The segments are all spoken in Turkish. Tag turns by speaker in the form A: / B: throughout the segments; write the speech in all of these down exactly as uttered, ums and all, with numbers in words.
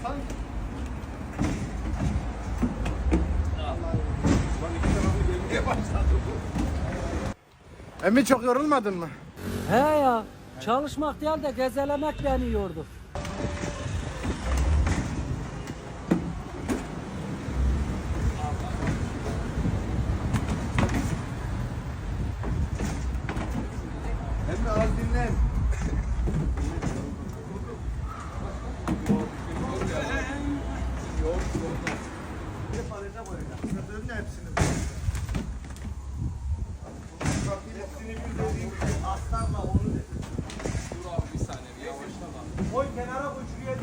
A: sanki.
B: Emmi çok yorulmadın mı?
C: He ya, çalışmak değil de gezelemek beni yordu.
B: Emmi az dinlen.
A: Aslanla onu de.
D: Dur abi bir saniye bir yavaşlama.
A: Koy kenara koy şuraya.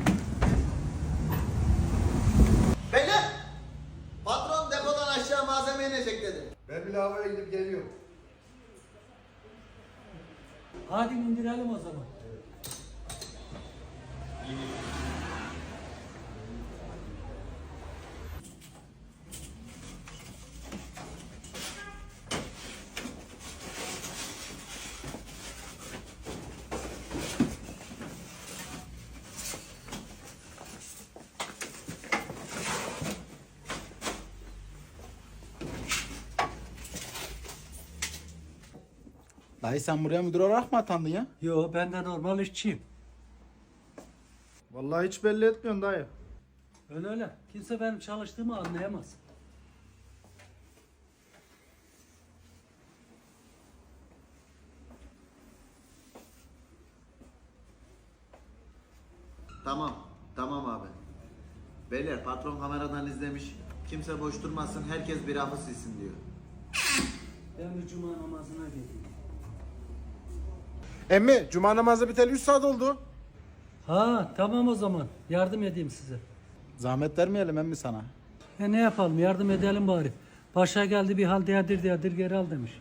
A: Beyler! Patron depodan aşağı malzeme inecek dedi.
B: Ben bir lavaboya gidip geliyorum.
C: Hadi indirelim o zaman.
B: Dayı sen buraya müdür olarak mı atandın ya?
C: Yo, ben de normal işçiyim.
B: Vallahi hiç belli etmiyorsun dayı.
C: Öyle öyle. Kimse benim çalıştığımı anlayamaz.
A: Tamam, tamam abi. Beyler patron kameradan izlemiş. Kimse boş durmasın, herkes bir rafı silsin diyor.
C: Ben bir cuma namazına gideyim.
B: Emmi cuma namazı biteli üç saat oldu.
C: Ha, tamam o zaman. Yardım edeyim size.
B: Zahmet vermeyelim emmi sana.
C: E ne yapalım, yardım edelim bari. Paşa geldi bir hal diyadır diyadır geri al demiş.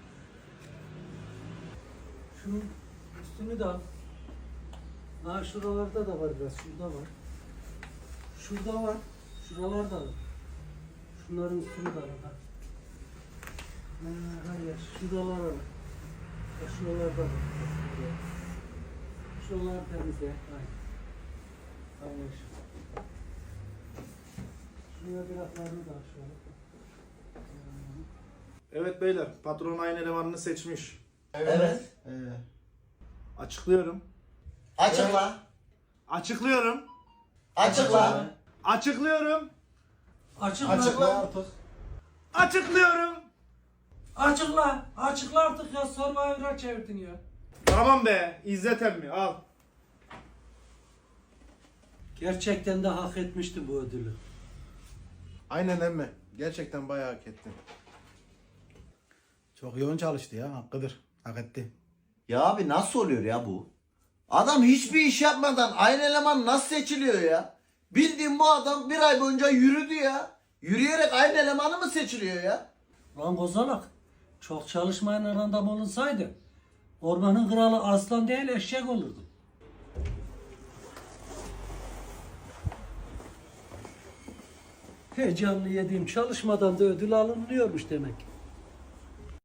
C: Şunun üstünü de al. Ha, şuralarda da var biraz, şurada var. Şurada var, şuralarda var. Şunların üstünü de al. Ha. Ha, hayır, şuralar var. Ha, şuralarda var. Şuralar temizle. Hayır. Hayır. Şuraya bir atlarını da al şöyle.
B: Evet beyler patron aynı elemanını seçmiş.
A: Evet.
B: Ee, açıklıyorum.
A: Açıkla.
B: Açıklıyorum.
A: Açıkla.
B: Açıklıyorum.
C: Açıkla.
A: Açıkla.
B: artık. Açıklıyorum.
C: Açıkla. Açıkla artık ya. Survivor'a çevirdin ya.
B: Tamam be İzzet emmi al.
C: Gerçekten de hak etmişti bu ödülü.
B: Aynen emmi. Gerçekten bayağı hak ettin. Çok yoğun çalıştı ya hakkıdır. Hak etti.
A: Ya abi nasıl oluyor ya bu? Adam hiçbir iş yapmadan aynı eleman nasıl seçiliyor ya? Bildiğin bu adam bir ay boyunca yürüdü ya. Yürüyerek aynı elemanı mı seçiliyor ya?
C: Lan kozalak. Çok çalışmayan adam olunsaydı ormanın kralı aslan değil eşek olurdu. Heyecanlı yediğim çalışmadan da ödül alınıyormuş demek ki.